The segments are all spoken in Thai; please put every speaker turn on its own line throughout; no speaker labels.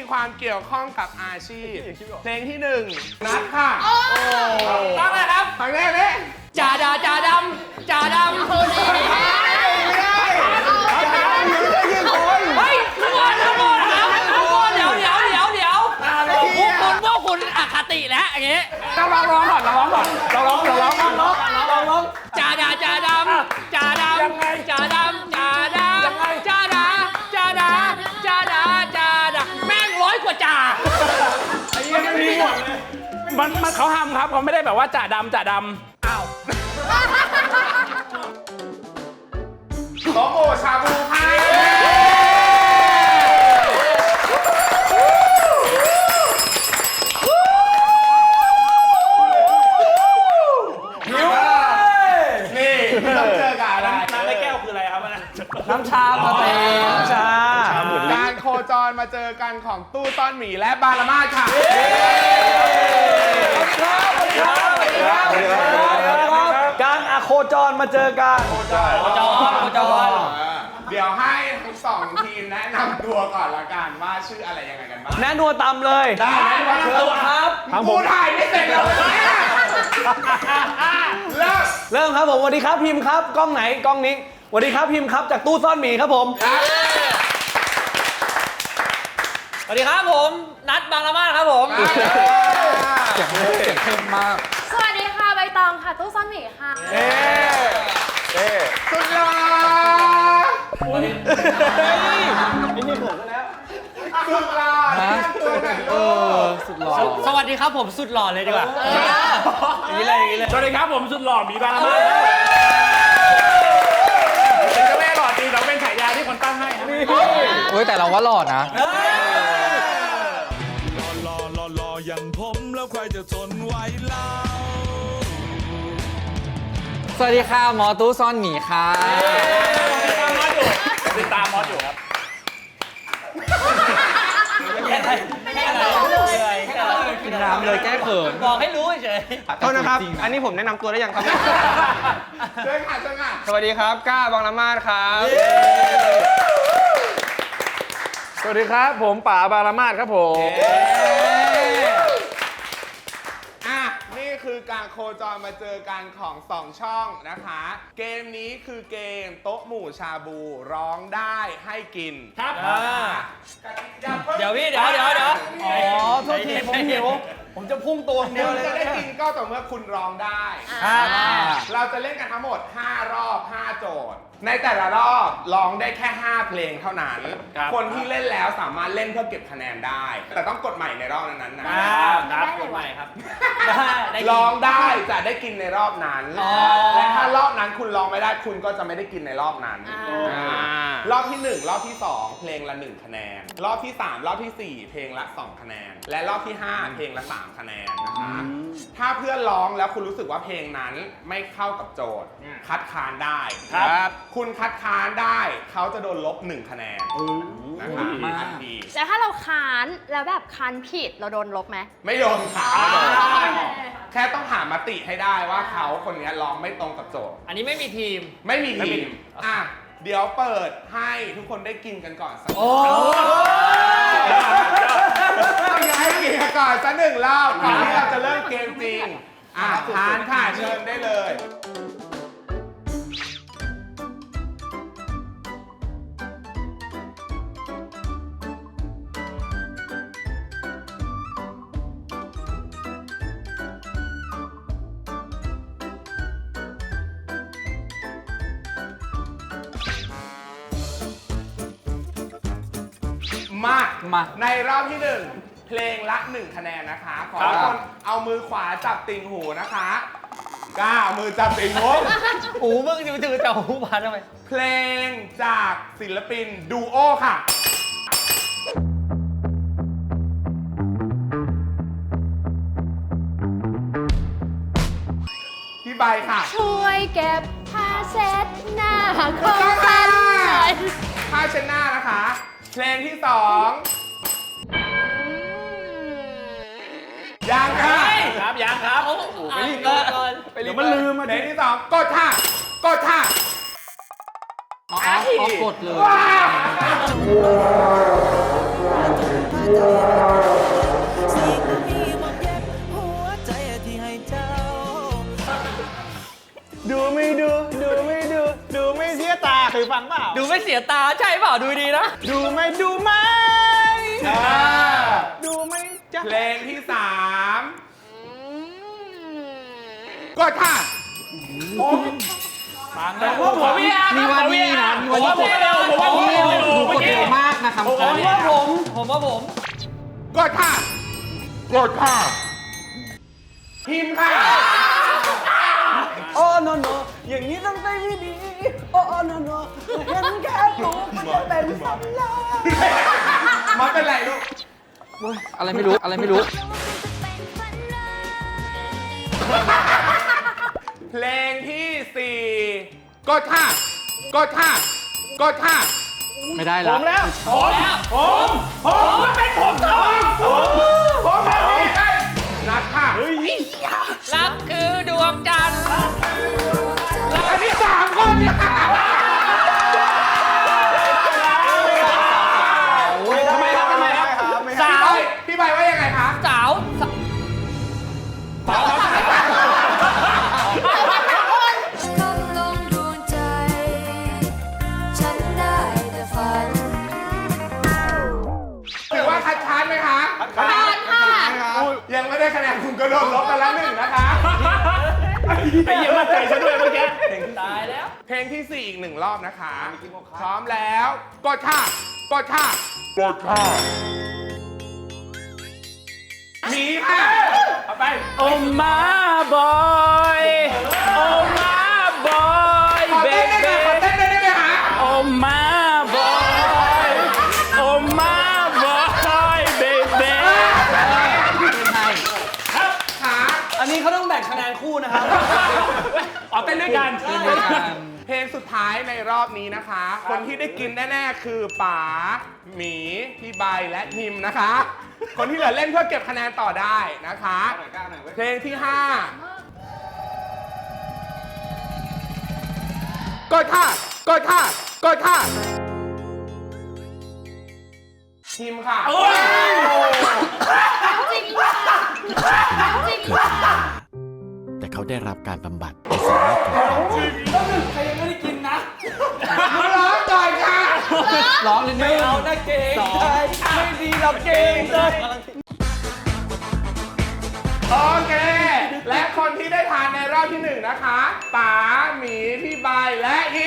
ความเกี่ยวข้องกับอาชีพเพลงที่1นัดค่ะ
ต้องเลยครับ
ฟังแรกเลย
จ่าดำจ่าดำ
จ่าดำไม่ได้จ่าดำไม่ได้ยินคน
เฮ้ยทุกคนทุกคนครับทุกคนเดี๋ยวพวกคุณอคติแล้วอย่างงี้
เราร้องก่อน
จ่าดำจ่าดำจ่าดำจ่าดำจ่าดำจ่าดาจ่าดาจ่าดาจ่าดาแม่ง100 กว่าจ่า
ไอ้ยังไม่มีหมดเลยมันเขาทำครับเขาไม่ได้แบบว่าจ่าดำอ้าวโตโก้ชาบูค่ะต้องเจอกับอะไรน้ำในแก้วคืออะไรครับ
น้ำชาปะเต้น้ำชา
การโคจรมาเจอกันของตู้ซ่อนหมีและบาลามาค่ะ
การโคจรมาเจอกัน
โคจร
เดี๋ยวให้ทั้ง2 ทีมแนะนำตัวก่อนละกันว่าชื่ออะไรยังไงกันบ้าง
แนะนวตำเลย
ได้แนะนำตัวครับกูถ่ายไม่เสร็จเลย
เริ่มครับผมสวัสดีครับพิมพ์ครับกล้องไหนกล้องนี้สวัสดีครับพิมพ์ครับจากตู้ซ่อนหมีครับผม
สวัสดีครับผมนัดบางละมาดครับผม
เสียงเข้มมาก
สวัสดีค่ะใบตองค่ะตู้ซ่อนหมีค่ะ
สุดหล่อ
นี่ผมแล้ว
สุดหล่อตัวไหน
สุดหล่อ
สวัสดีครับผมสุดหล่อเลยดีกว่า
อย่างนี้เลย
สวัสดีครับผมสุดหล่อมีบาลามาเป็นเจ้าแม่หล่อจริงเราเป็นฉายาที่คนตั้งให้ครับ
เฮ้ยแต่เราว่าหล่อนะ
หล่ออย่างผมแล้วใครจะทนไหวเล่า
สวัสดีค่ะหมอตู้ซ่อนหมีค่ะ
ติดตามมอสอยู่ครับ
กินน้ำเลยแก้เขิน
บอกให้รู้เฉย
โทษนะครับอันนี้ผมแนะนำตัวได้ยังครับ
เชิญค่ะ
สวัสดีครับก้าบางละมาดครับสวัสดีครับผมป๋าบางละมาดครับผม
นี่คือการโคจรมาเจอกันของ2 ช่องนะคะเกมนี้คือเกมโต๊ะหมู่ชาบูร้องได้ให้กิน
ครับเดี๋ยวพี่เดี๋ยว
อ๋อโทษทีผมหิวผมจะพุ่งตัวเดียวเลย
จะได้กินก็ต่อเมื่อคุณร้องได้เราจะเล่นกันทั้งหมด5 รอบ5 โจทย์ในแต่ละรอบร้องได้แค่5 เพลงเท่านั้นคนที่เล่นแล้วสามารถเล่นเพื่อเก็บคะแนนได้แต่ต้องกดใหม่ในรอบนั้นนะ
กดใหม่ครับ
ร้องได้จะได้กินในรอบนั้นและถ้ารอบนั้นคุณร้องไม่ได้คุณก็จะไม่ได้กินในรอบนั้นรอบที่1รอบที่2เพลงละ1 คะแนนรอบที่3รอบที่4เพลงละ2 คะแนนและรอบที่5เพลงละ3 คะแนนนะคะถ้าเพื่อนร้องแล้วคุณรู้สึกว่าเพลงนั้นไม่เข้ากับโจทย์คัดค้านได้ครับคุณคัดค้านได้เขาจะโดนลบ1 คะแนนนะคะทันที
แล้วถ้าเราค้านแล้วแบบค้านผิดเราโดนลบไหม
ไม่โดนค่ะแค่ต้องหามติให้ได้ว่าเขาคนนี้ร้องไม่ตรงกับโจทย์
อันนี้ไม่มีทีม
เดี๋ยวเปิดให้ทุกคนได้กินกันก่อนสักให้กินกันก่อนสัก1 รอบก่อนที่เราจะเริ่มเกมจริงทานค่ะเชิญได้เลยมาในรอบที่1เพลงละ1 คะแนนนะคะขอทุกคนเอามือขวาจับติ่งหูนะคะก้ามือจับติ่งหู
มึงจะจับหูพันทำไม
เพลงจากศิลปินดูโอค่ะพี่ใบค่ะ
ช่วยเก็บผ้าเช็ดหน้าของฉันหน่อย
ผ้าเช็ดหน้านะคะเพลงที่2ยัง
ครับยังครับ
ไปรีบก่อนเดี๋ยวมันลืม
เพลงที่2กดท่ากด
กดเลย
ดูไม่ดู ดูไม่ดู ดูไม่เสียตาเคยฟังเปล่า
ดูไม่เสียตาใช่เปล่าดูดีนะ
ดูไม่ดูไหมดูไหมจ๊ะ
เพลงที่สามกดค่ะ
ผมว่าพี่อาร์
นี่ว่านี่นะนี่ว่านี่
ผมว่าพี่เร็ว
ดูกดเร็วมากนะครับ
ผมว่าผม
กดค่ะ กดค่ะ พิมพ์ค่ะ
โอ้โนโนอย่างนี้ต้องใจไม่ดี โอ้โนโนเห็นแค่รูปมันจะเป็นสำลัก
มันเป็นไรลูก
อะไรไม่รู้ อะไรไม่รู้
เพลงที่สี่กดค่ะ กดค่ะ กดค่ะ
ไม่ได้ละ
ผมแบบนี้นัดค่ะ
รักคือดวงจันทร์
อันนี้สามคนเนี่ย
ทำไมครับทำไมครับ
สาวพี่ใบว่ายังไงคะ
สาว
คำลงดวงใจ ฉันได้แต่ฝัน
ถือว่าคัดค้านไหมคะ
ผ่านค่ะ
ยังไม่ได้คะแนนคุณก็โดนลบไปแล้วหนึ่งนะคะ
ไอ้เหี้ยมั่นใจซะด้วยเมื่อกี้
ตายแล้ว
เพลงที่สี่อีกหนึ่งรอบนะคะ พร้อมแล้ว กดค่ะ กดค่ะ กดค่ะหนีค่ะ
โอมาบอยโอมาบอย
ขอเต้นได้ไหมขอเต้นได้ไหมคะ
โอมาบอยโอมาบอยเบเบ้
ขา
อันนี้เขาต้องแบ่งคะแนนคู่นะครับ
อ๋อเต้นด้วยกัน
เพลงสุดท้ายในรอบนี้นะคะ คนที่ได้กินแน่ๆคือป๋าหมีพี่ใบและทิมนะคะ คนที่เหลือเล่นเพื่อเก็บคะแนนต่อได้นะคะ เพลงที่5กดค่ะ กดค่ะ กดค่ะทิมค่ะ
จริงค่ะจริงค่ะ
แต่เขาได้รับการบำบัดในสิ่งแวดล้อม
ใครยังไม่ได้กินนะ
มาร้องก่อนค่ะ
ร้องเลย
ไม่เอานะเก่งใจไม่ดีเราเก่งใจ
โอเค และคนที่ได้ทานในรอบที่1นะคะป๋าหมีพี่ใบและอี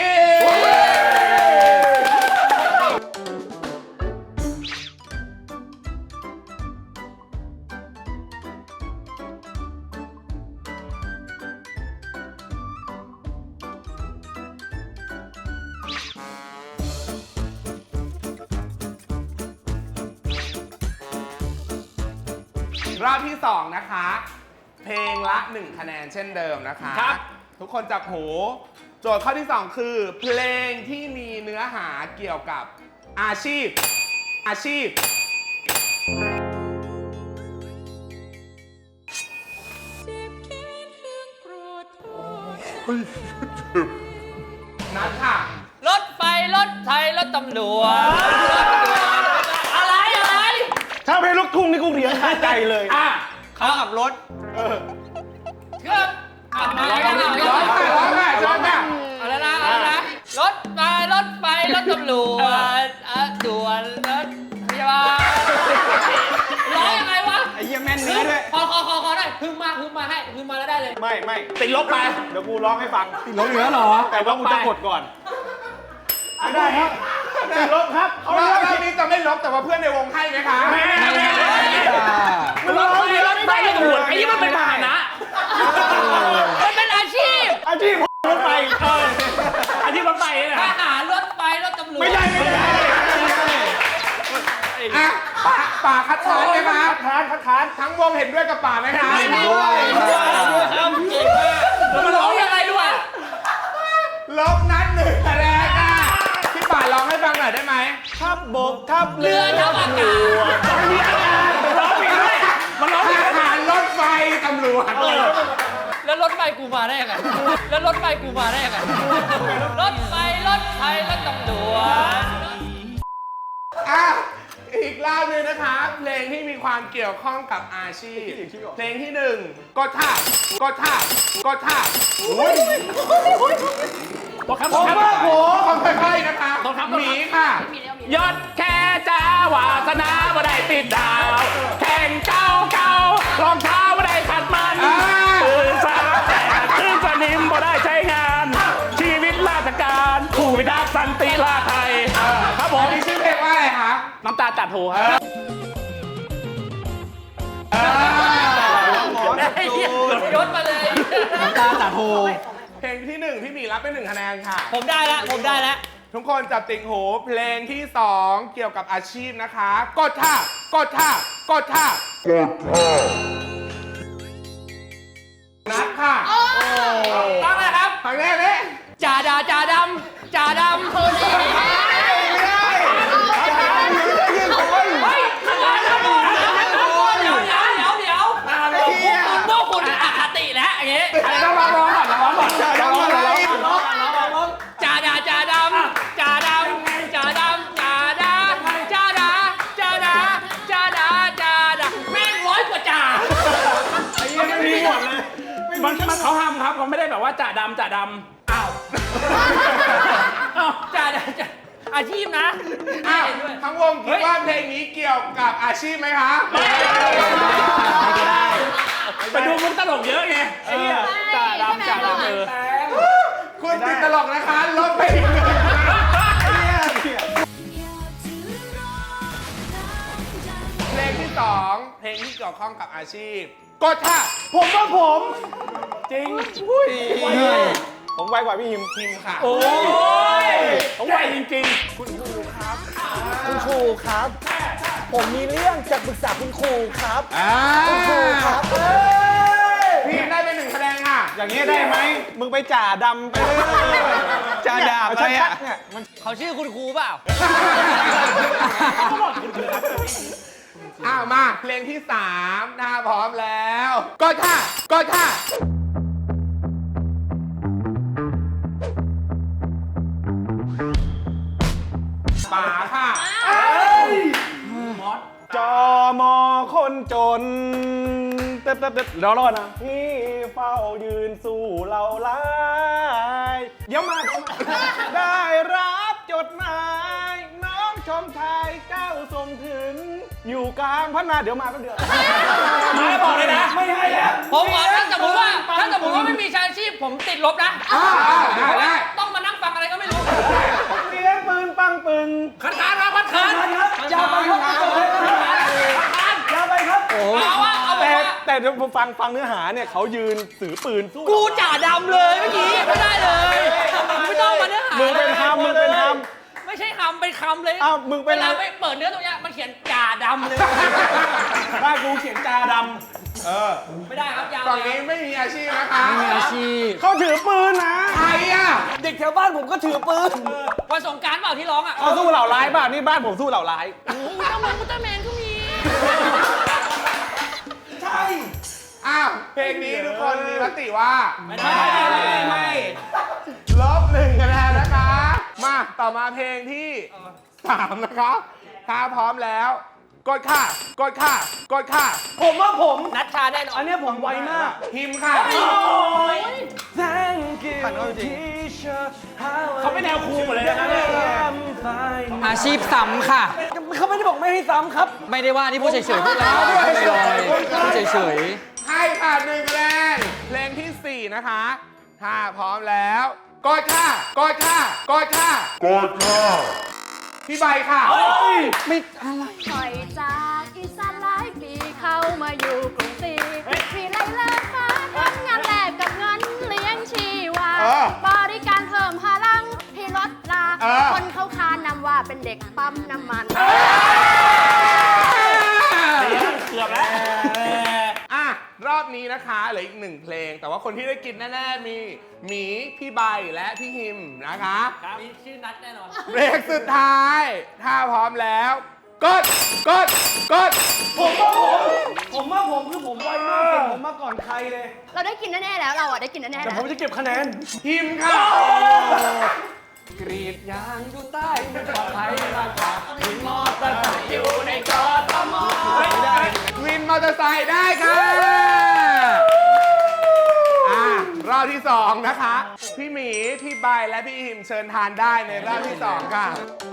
รอบที่ 2 นะคะ เพลงละ 1 คะแนนเช่นเดิมนะคะ
ครับ
ทุกคนจับหู โจทย์ข้อที่ 2 คือ เพลงที่มีเนื้อหาเกี่ยวกับอาชีพ อาชีพ นัดค่ะ
รถไฟรถไทยรถตำรวจอะไร
ถ้าเพลงลูกทุ่งนี่กูเรียนขาดใจเลย
อ่ะ
เขาขับรถ
เครื่องขับมา
ร้องค่ะร้องค่ะร้องค่ะ
อะไรนะรถไฟรถตำรวจด่วนรถพยาบาลร้องยังไงวะ
ไอ้เหี้ยแม่นเนื้อด้วย
ขอได้พึ่งมาให้พึ่งมาแล้วได้เลย
ไม่ติดลบไป เดี๋ยวกูร้องให้ฟัง
ติดลบเหลือเหรอ
แต่ว่ากูจะกดก่อน ไม่ได้ครับติดลบครับเขา
ร
เลื
อ
อก
บนี้จะไม่ลบแต่ว่าเพื่อนในวงให้ไหมคะ
รถไฟรถตำรวจไอ้นี่มันเป็นพาหนะมันเป็นอาชีพ
อาชีพรถไฟ
อาชีพรถไฟเนี่ยทหารรถไฟรถตำรวจ
ไม่ได้
อ่ะป่าคัดค้านไหมคะ
คัดค้าน
ทั้งวงเห็นด้วยกับป่าไหมคะ
แล้วมันร้องยังไงด้วย
ลบนัด1 คะแนนค่ะพี่ป่าร้องให้ฟังหน่อยได้ไหม
ทับบกทับ
เรือทับอากาศ
ร้องผิดด้วยมันร้องผิด
ทหารรถไฟตำรวจ
แล้วรถไฟกูมาได้ยังไงแล้วรถไฟกูมาได้ยังไงรถไฟรถไทยรถตำรวจ
อ่ะอีกรอบหนึงนะคะเพลงที่มีความเกี่ยวข้องกับอาชีพเพลงที่หนึ่งกดท่ากดท่ากดท่าอุ้ย
บอกครับ
ผม
บอก
ว่า
ครับ
โหค่อยๆนะคะ
ต้องครับ
หมีค่ะ
ยอดแค่จ้าวาสนาบ่ได้ติดดาว แข่งเก่ารองเท้าบ่ได้ขัดมันตื่นสายแต่ขึ้นสนิมบ่ได้ใช้งาน ชีวิตราชการผู้พิทักษ์สันติราษฎร์ไทยครับผม
อันนี้ชื่อเพลงว่าอะไรคะ
น้ำตาจัดหูครับยศมาเลย
น้ำตาจัดโฮ
เพลงที่หนึ่งพี่หมีรับไป1 คะแนนค่ะ
ผมได้แล้วผมได้แล้ว
ทุกคนจับติ่งหูเพลงที่สองเกี่ยวกับอาชีพนะคะกดท่ากดท่ากดท่ากดท่านัดค่ะ
ตั้งเลยครับ
ทางแรกนี่
จ่าดำจ่าดำจ่าดำคนนี้
ไม่ได้ยืนคน
เฮ้ยเดี๋ยวพวกคุณอคติแล้วอย่างงี้
ต้องร้องก่อนร้องก่อนร้องก่อน
จ่าดำจ่าดำจ่าดำจ่าดำจ่าดำจ่าดาจ่าดาจ่าดาจ่าดาแม่ง100 กว่าจ่า
ไอ้เหี้ยไม่มีหมดเลย
มันเขาทำครับเขาไม่ได้แบบว่าจ่าดำจ่าดำอ้าวจ่าดำจ่าอาชีพนะ
อ้าวทั้งวงคิดว่าเพลงนี้เกี่ยวกับอาชีพไหมคะ
ไม่ได้ไปดูมุกตลกเยอะไงไอ้เนี่ยจ่าดำจ่าดำ
คุณติดตลกนะคะลบไปอีก1 เพลงที่สองเพลงที่เกี่ยวข้องกับอาชีพกดท่า
ผมว่าผมจริง
ผมไวกว่าพี่ฮิมค่ะ
โอ้ยต้องไวจริง
คุณครูครับ ผมมีเรื่องจะปรึกษาคุณครูครับคุณครูครับ
พี่ฮิมได้ไป1 คะแนนค่ะ
อย่างนี้ได้ไหมมึงไปจ่าดำไปเลยจ่าดำอะไรอ่ะเนี่ย
ๆเขาชื่อคุณครูเปล่า
อ้าวมาเพลงที่3ถ้าพร้อมแล้วกดท่ากดท่าป๋าค่ะ
จอมอคนจนเต็ดรอนะพี่เฝ้ายืนสู้เราไล่เดี๋ยวมาได้รับจดหมายน้องชมชายเจ้าส่งถึง อยู่กลางพัฒนาเดี๋ยวมาแป๊บเดียว
มาบอกเลยนะ
ไม่ให้แล้ว
ผมบอกถ้าสมมติว่าไม่มีชายอาชีพผมติดลบนะ
ได้
ต้องมานั่งฟังอะไรก็ไม่รู้
เสียงปืนปังปึง
คันคานมาคันคาน
ยาวไปครับยาวไปครับ
เอาว่าเอาแบบว่า
แต่เดี๋ยวผมฟังเนื้อหาเนี่ยเขายืนถือปืนสู้
กูจ่าดำเลยเมื่อกี้ไม่ได้เลยไม่ต้องมาเนื้อหา
มึงเป็นทำมึงเป็นท
ไม่ใช่คำเป็นคำเลย
อ้าวมึงเป็น
เวลาไม่เปิดเนื้อตรงเนี้ยมันเขียนจ่าดำเลย
ำบ้านกูเขียนจาด
ไม่ได้ครับยาว
ฝั่งนี้ไม่มีอาชีพนะคะ
มีอาชีพ
ำเขาถือปืนนะ
ใครอ่ะ
เด็กแถวบ้านผมก็ถือปืน
วันสงกรานต์เปล่าที่ร้องอ่ะ
เขาสู้เหล่าร้ายบ้านนี่บ้านผมสู้เหล่าร้าย
อุลตร้าแมนก็มี
ใช่
อ้าวเพลงนี้ทุกคนมีมติว่า
ไม่
ลบ1 คะแนนนะคะ มาต่อมาเพลงที่3นะคะถ้าพร้อมแล้วกดค่ะกดค่ะกดค่ะ
ผมว่าผม
นัดชาแน่นอน
อันเนี้ยผมไวมาก
พิมพ์ค่ะ
Thank you teacher
เขาไม่แนวครูหมดเลยนะ
อาชีพซ้ำค่ะ
เขาไม่ได้บอกไม่ให้ซ้ำครับ
ไม่ได้ว่าที่พูดเฉยๆพูดแล้วพูดลอยๆพูดเฉย
ให้ค่ะ1 คะแนนเพลงที่ 4 นะคะ ถ้าพร้อมแล้วกดค่ะกดค่ะกดค่ะกดค่ะพี่ใบค่ะ
ๆไม่อะไร
ถอยจากอีสานหลายปีเข้ามาอยู่กรุงศรีมีไรเลิกค่ะทำงานแลกกับเงินเลี้ยงชีวา บริการเพิ่มพลังที่ลดลา คนเขาคานำว่าเป็นเด็กปั๊มน้ำมัน
เกือบแล้ว
อ่ะรอบนี้นะคะเหลืออีก1 เพลง แต่ว่าคนที่ได้กินแน่ๆมีหมีพี่ใบและพี่ฮิมนะคะ
มีชื่อนัดแน่นอน
เบรกสุดท้าย ถ้าพร้อมแล้วกดกดกด
ผมว่าผมคือผมไวมากเก่งผมมาก่อนใครเลย
เราได้กินแน่ๆแล้วเราอ่ะได้กินแน่ๆ
แต่
แล้ว
ผมจะเก็บคะแนน
ฮิมค่ะ
กรีดยางอยู่ใต้ไม่ปลอดภัยราคาวินมอเตอร์ไซค์อยู่ในกทม
วินมอเตอร์ไซค์ได้ค่ะรอบที่ 2 นะคะ พี่หมี พี่ใบและพี่หิมเชิญทานได้ในรอบที่ 2 ค่ะ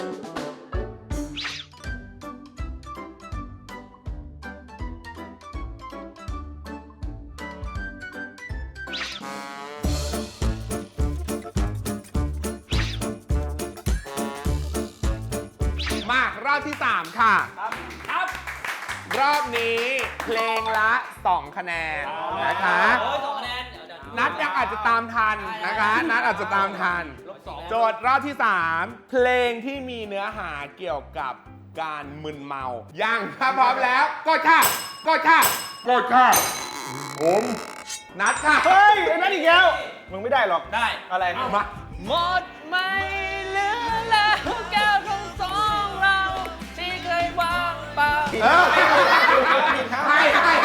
มารอบที่ 3 ค่ะ
ครับ
รอบนี้เพลงละ 2 คะแนนนะคะ
2 คะแนน
นัดยังอาจจะตามทันนะคะ นัดอาจจะตามทัน โจทย์รอบที่ 3 เพลงที่มีเนื้อหาเกี่ยวกับการมึนเมายังถ้าพร้อมแล้วกดค่ะกดค่ะกดค่ะผมนัดค่ะ
เฮ้ยไอ้นั่นอีกแล้วมึงไม่ได้หรอก
ได้
อะไร
มา
หมดไม่เหลือแล้วแก้วของสองเราที่เคยว่างเปล่า
เออให้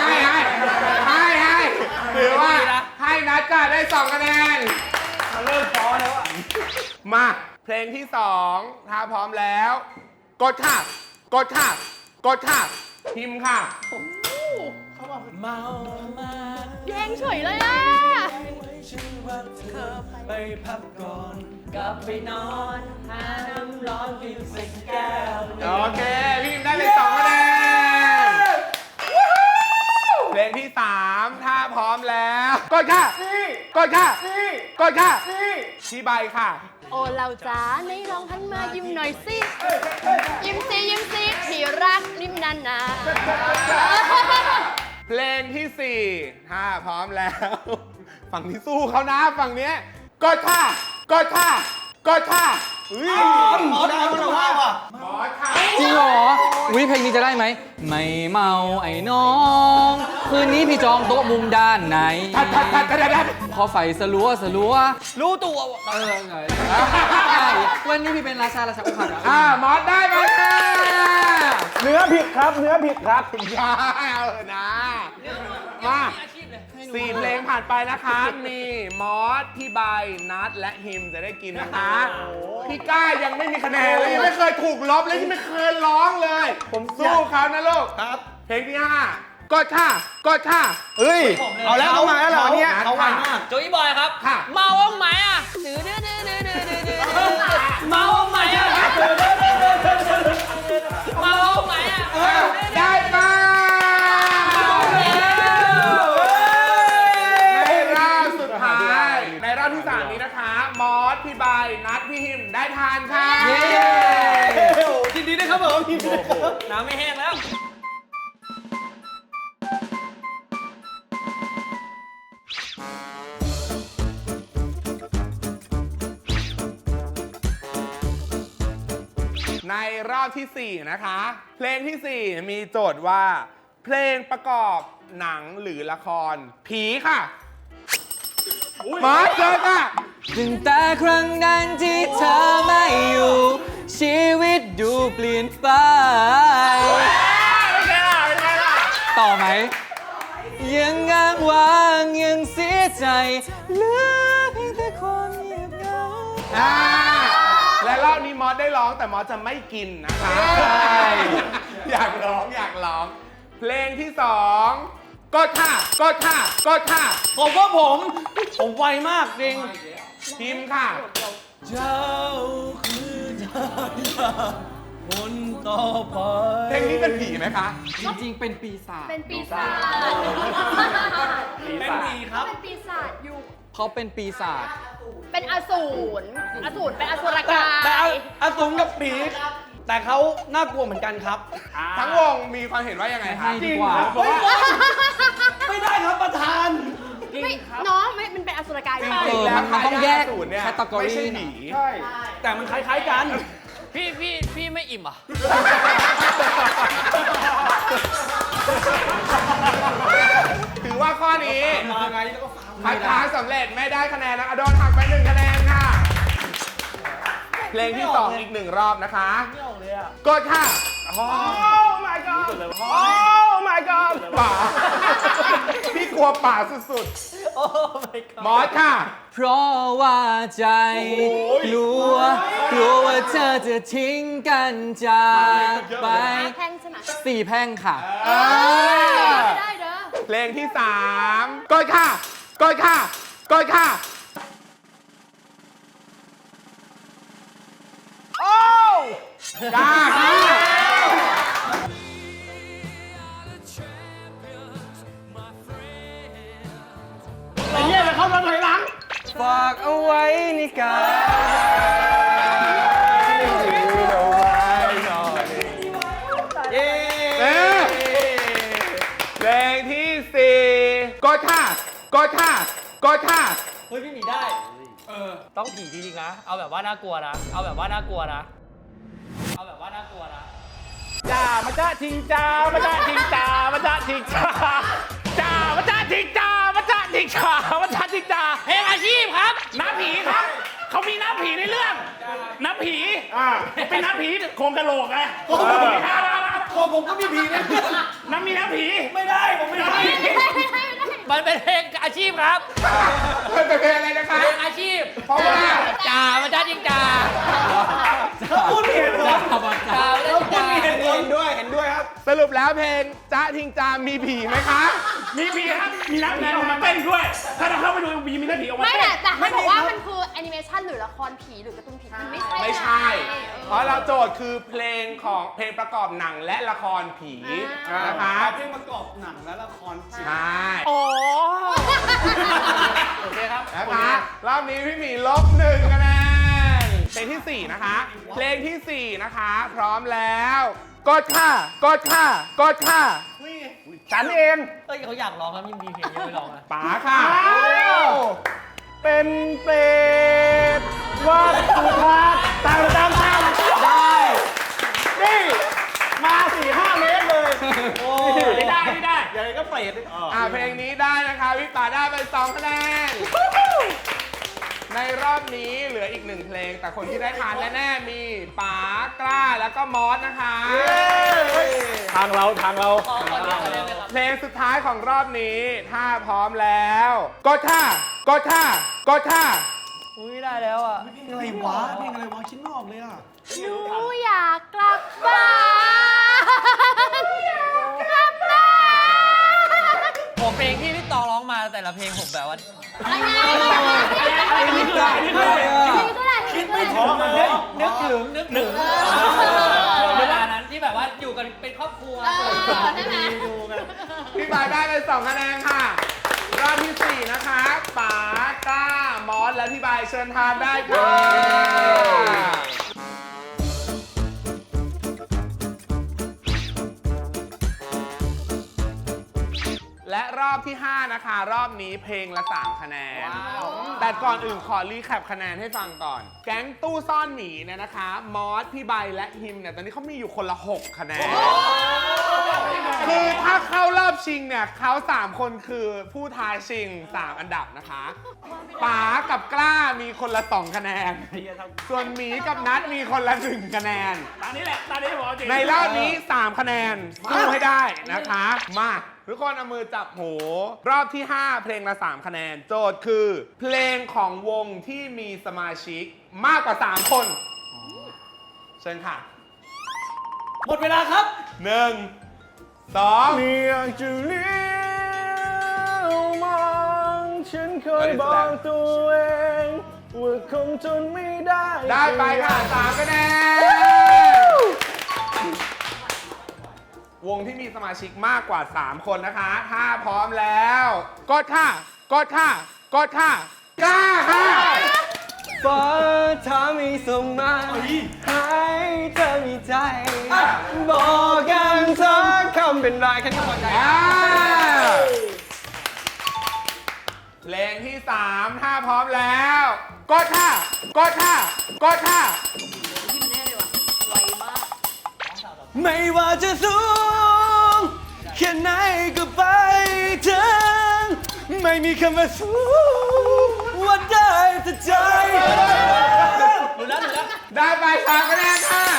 ถือว่าให้นัดค่ะได้ 2 คะแนน
มันเริ่มฟ้อแล้วอ่ะ
มาเพลงที่ 2 ถ้าพร้อมแล้ว กดค่ะกดค่ะกดค่ะพิมพ์ค่ะ
เมามา
เพลงเฉยเลยอ่ะ
ฉันรักเธอไปพักก่อนกลับไปนอนหาน้ำร้อนกินสักแก้ว
โอเคพี่พิมพ์ได้เลย 2 คะแนนเพลงที่ 3 ถ้าพร้อมแล้วกดค่ะกดค่ะกดค่ะพี่ใบค่ะ
โอ้เราจ๋าในลองหันมายิ้มหน่อยสิ ยิ้มสิยิ้มสิที่รักริมนาน
เพลงที่ 4 ถ้าพร้อมแล้ว ฝั่งที่สู้เขานะฝั่งเนี้ยกดค่ะกดค่ะกดค่ะ
หมอได้มันว่าว่ะ
หมอค่ะ
จริงเหรอวิเพลงนี้จะได้ไหม ไม่เมาไอ้น้อง คืนนี้พี่จองโต๊ะมุมด้านไหน
ทัด
พอไฟสลัวรู้ตัวไงวันนี้พี่เป็นราชาอกหักอะ
หมอได้ไหมค่ะ
เนื้อผิดครับเนื้อผิดครับ
อย่าเอาเถอะนะมา4 เพลงผ่านไปนะคะ มีมอสพี่ใบนัดและฮิมจะได้กินนะคะ พี่ก้ายังไม่มีคะแนนเลยยังไม่เคยถูกลบเลยยังไม่เคยร้องเลย ผมสู้เขานะลูก
ครับ
เพลงที่ 5 กดค่ะกดค่ะ
เฮ้ย เอาแล้วเอามาแล้วเหรอเนี่ย
เขาไวมาก
โจยบอยครับ
ค่ะ
เมาบ้างไหมอ่ะเมาบ้างไหมอ่ะเมาบ้างไหมอ่ะ
ได้ป่ะในรอบสุดท้าย ในรอบที่ 3 นี้นะคะ มอสพี่ใบนัดพี่ฮิมได้ทานค่ะ
ยินดีด้วยครับผมยินดีด้วยครับ
น้ำไม่แห้งแล้ว
ในรอบที่ 4 นะคะ เพลงที่ 4 มีโจทย์ว่า เพลงประกอบหนังหรือละคร ผีค่ะมาเจอค่ะ
ตั้งแต่ครั้งนั้นที่เธอไม่อยู่ ชีวิตดูเปลี่ยนไป ต่อไหม ยังง้างว้างยังเสียใจเหลือเพียงแต่ความเงียบเหงา
และรอบนี้มอสได้ร้องแต่มอสจะไม่กินนะคะ อยากร้องอยากร้อง เพลงที่ 2 กดค่ะกดค่ะกดค่ะ
ผมไวมากจริง
พิมพ์ค่ะ
เจ้าคือทางคนต่อไป
เพลงนี้เป็นผีไหมคะ
จริงๆ เป็นปีศาจ
เป็นปีศาจ
เป็นผีครับ
เป็นปีศาจอยู่
เขาเป็นปีศาจ
เป็นอสูรเป็นอสุรกา
แต่
ย
อาตุงกับปีกแต่เขาน่ากลัวเหมือนกันครับ
ทั้งวงมีความเห็นว่ายังไงคะ
ให้ดีกว่า
ไม่ได้ครับประธาน
ไม่น้องไม่มันเป็นอสุรกาย
จ
ใช่
ริงๆแล้ว
มันต้องแยก
สูตรเนี่ย
category
ไม่ใช่หนี
ใช่ แต่มันคล้ายๆกัน
พี่ไม่อิ่มอ่ะ
ถือว่าข้อนี้
มาไงแล้วก็ฟัง
คัดค้านสำเร็จไม่ได้คะแนนนะคะโดนหักไป1 คะแนนค่ะ เพลงที่ 2 อีก 1 รอบนะคะกดค่ะ
โอ้ my god โอ้ my god
ป่า พี่กลัวป่าสุด
โ
มอสค่ะ
เพราะว่าใจกลัวว่าเธอจะทิ้งกันจากไป
แพงใช่ไหม
4 แพร่งค่ะ
ไม่ได้เด้อ
เพลงที่3กดค่ะกดค่ะกดค่ะโอ้กล้าค่ะ
ไอ้เหี้ยจะเข้ามาถอยหลัง
ฝากเอาไว้ในกาย
เย้เพลงที่4กดค่ะกดค่ะกดค่ะ
เฮ้ยพี่หมีได้ต้องผีจริงๆนะ เอาแบบว่าน่ากลัวนะ เอาแบบว่าน่ากลัวนะ เอาแบบว่าน่ากลัวนะ
จ้ามาจ้าทิงจ้ามาจ้าทิงจ้ามาจ้าทิงจ้าจ้ามาจ้าทิงจ้ามาจ้าทิงจ้ามาจ้าทิงจ้า
เพลงอาชีพครับ
น้ำผีครับ เขามีน้ำผีในเรื่อง น้ำผีเป็นน้ำผีโครงกะโหลกไง
ตัวผมก็มีผีนะ
น้ำมีน้ำผี
ไม่ได้ ผมไม่ได้
มันเป็นเพลงอาชีพครับ
เป็นเพลงอะไรนะคะ
เพลงอาชีพ
เพราะว่า
จ่ามาจ้าจริงจ่า
พูดผิดเหรอ
จ่ามาจ้าจริงจ่า
เห็นด้วยครับ
สรุปแล้วเพลงจ๊ะทิงจามมีผีไหมคะ
มีผีครับ มีน้ำผีออกมาเต้นด้วย ถ้าเราเข้าไปดูมีน้ำผีออกมา
ไม่
เต้น
แต่เขาบอกว่ามันคือแอนิเมชันหรือละครผีหรือการ์ตูนผีมันไม่ใช่
ไม่ใช่ เพราะเราโจทย์คือเพลงของเพลงประกอบหนังและละครผีนะคะ
เพลงประกอบหนังและละคร
ใช่
โอ้
โอเคครับ
นะคะรอบนี้พี่หมีลบ1คะแนนเพลงที่ 4 นะคะ เพลงที่ 4 นะคะ พร้อมแล้วกดค่ะกดค่ะกดค่ะ
ฉันเอง
เฮ้ยเขาอยากร้องครับยิ่งมีเพลงยังไม่ร้องอ่ะ
ป๋าค่ะ
เป็นเปรตวัดสุทัศน์ตามได้นี่มา4-5 เมตรเลย โอ้
ไม่ได้
ยังไงก็เปรต
เพลงนี้ได้นะคะพี่ป๋าได้ไป2คะแนน ในรอบนี้เหลืออีก1เพลง แต่คนที่ได้ทานแน่ๆมีป๋ากล้าแล้วก็มอสนะคะ
ทางเรา
ขอเดียวคะแนนเลยครับ
เพลงสุดท้ายของรอบนี้ ถ้าพร้อมแล้วกดค่ะกดค่ะกดค่ะ
อุ้ยไม่ได้แล้วอ่ะ
อะไรวะเพลงอะไรวะคิดไม่ออกเลยอ่ะ
หนูอยากกลับบ้านกลับบ้าน
ผมเพลงที่พี่ตองร้องมาแต่ละเพลงผมแบบว่า
อันนี้คืออะไรอันนี้คืออะไร
คิดไม่ถึงเลย
นึกถึงเวลานั้นที่แบบว่าอยู่กันเป็นครอบครัว
ใช่ไหม
ดูกัน
พี่ป๋าได้ไป2คะแนนค่ะ รอบที่ 4 นะคะป๋ากล้ามอสและพี่บายเชิญทานได้ค่ะและรอบที่ 5 นะคะ รอบนี้เพลงละ 3 คะแนน แต่ก่อนอื่นขอรีแคปคะแนนให้ฟังก่อน แก๊งตู้ซ่อนหมีเนี่ยนะคะ มอส พี่ใบและฮิมเนี่ย ตอนนี้เขามีอยู่คนละ 6 คะแนน คือถ้าเข้ารอบชิงเนี่ยเขา3 คนคือผู้ท้าชิง 3 อันดับนะคะป๋ากับกล้ามีคนละ 2 คะแนน ส่วนหมีกับนัทมีคนละ 1 คะแนน
ตอนนี้แหละ ตอนนี้ผมเอาจริง
ในรอบนี้ 3 คะแนนสู้ให้ได้นะคะ มาทุกคนเอามือจับหู รอบที่ 5 เพลงละ 3 คะแนน โจทย์คือ เพลงของวงที่มีสมาชิกมากกว่า 3 คนเชิญค่ะ
หมดเวลาครับ
1 2
เรียกจะเลี้ยวมองฉันเคยบอกตัวเองว่าคงทนไม่ได้
ได้ไปค่ะ 3 คะแนน วงที่มีสมาชิกมากกว่า 3 คนนะคะ ถ้าพร้อมแล้วกดค่ะกดค่ะกดค่ะกล้าค่ะ
ฟ้าถ้าไม่ส่งมาให้เธอมีใจ บอกกันสักคำเป็นไรแค่นี้พอใจ
เพลงที่ 3 ถ้าพร้อมแล้วกดค่ะกดค่ะกดค่ะ
ไม่ว่าจะสูงแค่ไหนก็ไปถึงไม่มีคำว่าสูงว่าได้แต่ใจ
ได้ไป3 คะแนนค่ะ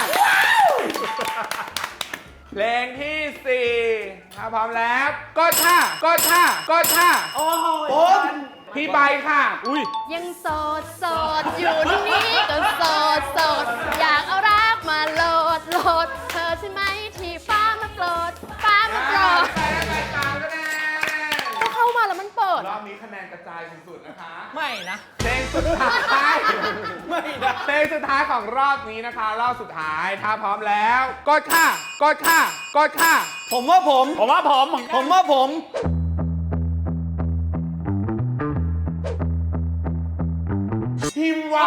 เพลงที่ 4 ถ้าพร้อมแล้วกดค่ะกดค่ะกดค่ะ
ผม
พี่ใบค่ะ
ยังโสดโสดอยู่ที่นี่ก็โสดโสดอยากเอารักมาโหลดโหลดเธอใช่ไหมที่ฟ้ามาโกรธฟ้ามาโกรธ
ไปตามคะแนน
ก็เข้ามาแล้วมันเปิด
รอบนี้คะแนนกระจายสุดๆนะคะ
ไม่นะ
เพลงสุดท้ายไม่นะเพลงสุดท้ายของรอบนี้นะคะ รอบสุดท้ายถ้าพร้อมแล้วกดค่ะกดค่ะกดค่ะ
ผมว่าผม
ผมว่าผม
ผมว่าผม
ทีมว่า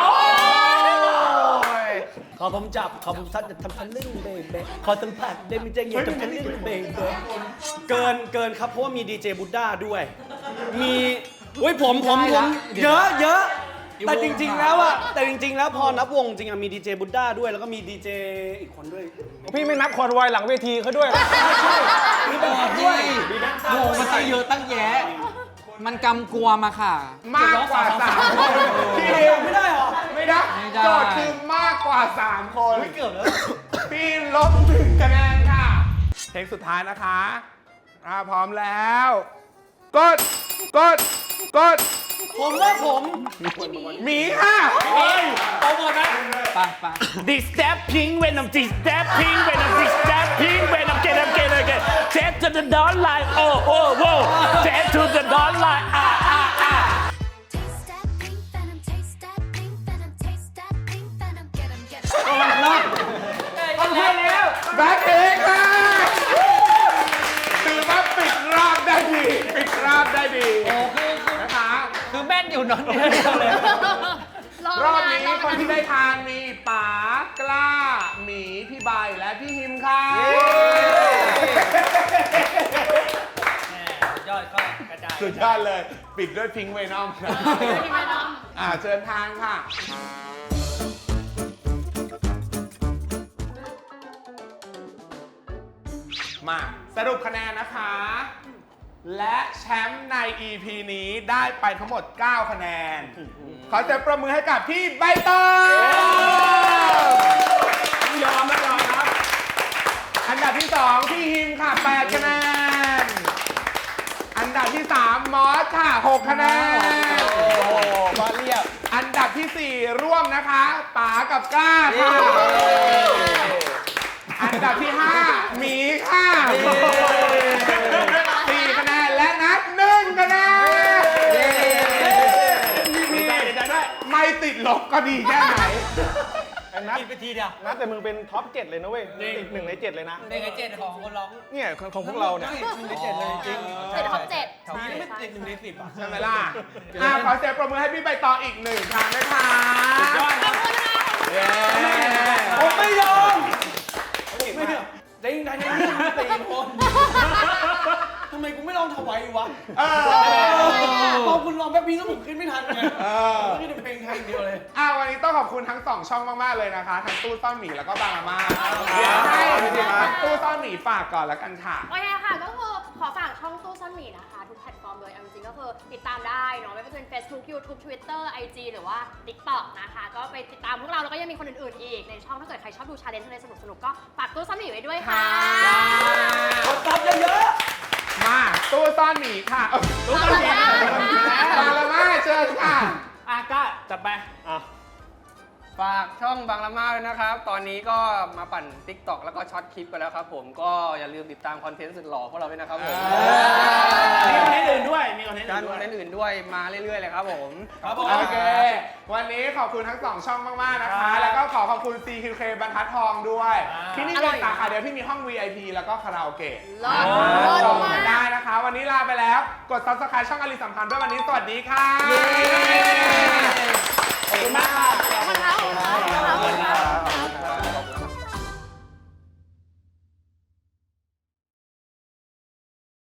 ขอผมจับ ขอผมซัดจะทำทันลื่นเบเบขอสัมผัสได้ไม่ใจเย็นทำทันลื่นเบเบเกินครับ เพราะว่ามีดีเจบุดด้าด้วย มีเว้ยผมเยอะแต่จริงๆแล้วพอนับวงจริงอะมีดีเจบุดด้าด้วยแล้วก็มีดีเจอีกคนด้วย
พี่ไม่นับคอนวอยหลังเวทีเขาด้วยเหรอ
ด้วย
โอ้โหมันตั้งเยอะตั้งแยะ มันกำกวมอะค่ะ
มากกว่า3คนพี่ฮิว
ไม่ได้เหรอ
ไม่ได้
ไม่ได้
โจทย์คือมากกว่า3คนเกือบแล้วพี่ลบ1คะแนนค่ะเพลงสุดท้ายนะคะพร้อมแล้วกด
ผมว่าผม
หมีค่ะ
ไปไป
This step pink when I'm this step pink when I'm this step pink when I'm get step to the dawn line oh oh oh step to the dawn line
Taste that pink venom, taste that pink venom, taste that pink venom, get 'em, get 'em.
แบ็คเองค่ะถือว่าปิดรอบได้ดีนะคะ
คือแม่นอยู่นอนเดียวเลย
รอบนี้คนที่ได้ทานมีป๋ากล้าหมีพี่ใบและพี่ฮิมค่ะ
ยอดก็กระจาย
สุดยอดเลย ปิดด้วยพิงค์เวนอมเชิญทางค่ะ มาสรุปคะแนนนะคะ และแชมป์ใน EP นี้ได้ไปทั้งหมด 9 คะแนน ขอเสียงประมือให้กับพี่ใบตองยอมครับ อันดับที่ 2 พี่ฮิมค่ะ 8 คะแนน อันดับที่ 3 มอสค่ะ 6 คะแนน
มาเรียบ
อันดับที่ 4 ร่วมนะคะป๋ากับกล้าค่ะ อันดับที่ 5 หมีค่ะ4 คะแนน และนัด 1 คะแนนไม่ติดลบก็ดีแค่ไหน
ไอ้นัท
กินไปทีเดียว
นัทแต่มึงเป็นท็อป 7 เลยนะเว้ยติด1 ใน 7 เลยนะ
เป็นไงเจ็ดของคนร้อง
เนี่ยของพวกเราเนี่ย
1 ใน 7 เลยจริง
ติดท็อป 7
แถวนี้ไม่ติด1 ใน 10อ่ะ
ใช่ไหมล่ะ ขอเสียงปรบมือให้พี่ใบตองอีก 1 ครั้งด้วยค่ะเย้
ผมไม่ยอมไม่ยอมได้ยินได้ยินตีคนทำไมกูไม่ลองถวายวะพอคุณลองแป๊บนึงก็ผมขึ้นไม่ทันไงไม่ได้เพลงไทยเดียวเลย
วันนี้ต้องขอบคุณทั้ง 2 ช่องมาก ๆ เลยนะคะ ทั้งตู้ซ่อนหมีแล้วก็บางอาม่าเดี๋ยวให้ทั้งตู้ซ่อนหมีฝากก่อนแล้วกันค่ะ
โอเคค่ะ ก็คือขอฝากช่องตู้ซ่อนหมีนะคะ ทุกแพลตฟอร์มเลยเอาจริงๆก็คือติดตามได้เนาะไม่ว่าจะเป็น Facebook YouTube Twitter IG หรือว่า TikTok นะคะ ก็ไปติดตามพวกเราแล้วก็ยังมีคนอื่นๆอีกในช่องถ้าเกิดใครชอบดูชาเลนจ์อะไรสนุกๆก็ฝากตู้ซ่อนหมีไว้ด้วยค่ะ
กดซับเยอะ
มาตู้ซ่อนหมีค่ะตู้ซ่อนหมีบางอาม่าเชิญค่ะ
ก้าจัดไป
ฝากช่องบางละมาด้วยนะครับ ตอนนี้ก็มาปั่น TikTok แล้วก็ช็อตคลิปกันแล้วครับผม ก็อย่าลืมติดตามคอนเทนต์สุดหล่อพวกเราด้วยนะครับผม
มีคอนเทนต์อื่นด้วย มีคอนเทนต์
การ
อื่น
ค
ด้
อ
วน ย
เทนต์อื่นด้วยมาเรื่อยๆเลยครับผม
ครับผม
โอเค วันนี้ขอบคุณทั้ง 2 ช่องมาก ๆ นะคะ แล้วก็ขอบคุณ CQK บรรทัดทองด้วย ที่นี่เป็นสาขาเดียวที่มีห้อง VIP แล้วก็คาราโอเกะ
เลิศ
จองกันได้นะคะ วันนี้ลาไปแล้ว กด Subscribe ช่องอลิสัมพันธ์ด้วยวันนี้สวัสดีค่ะ
ขอบคุณมาก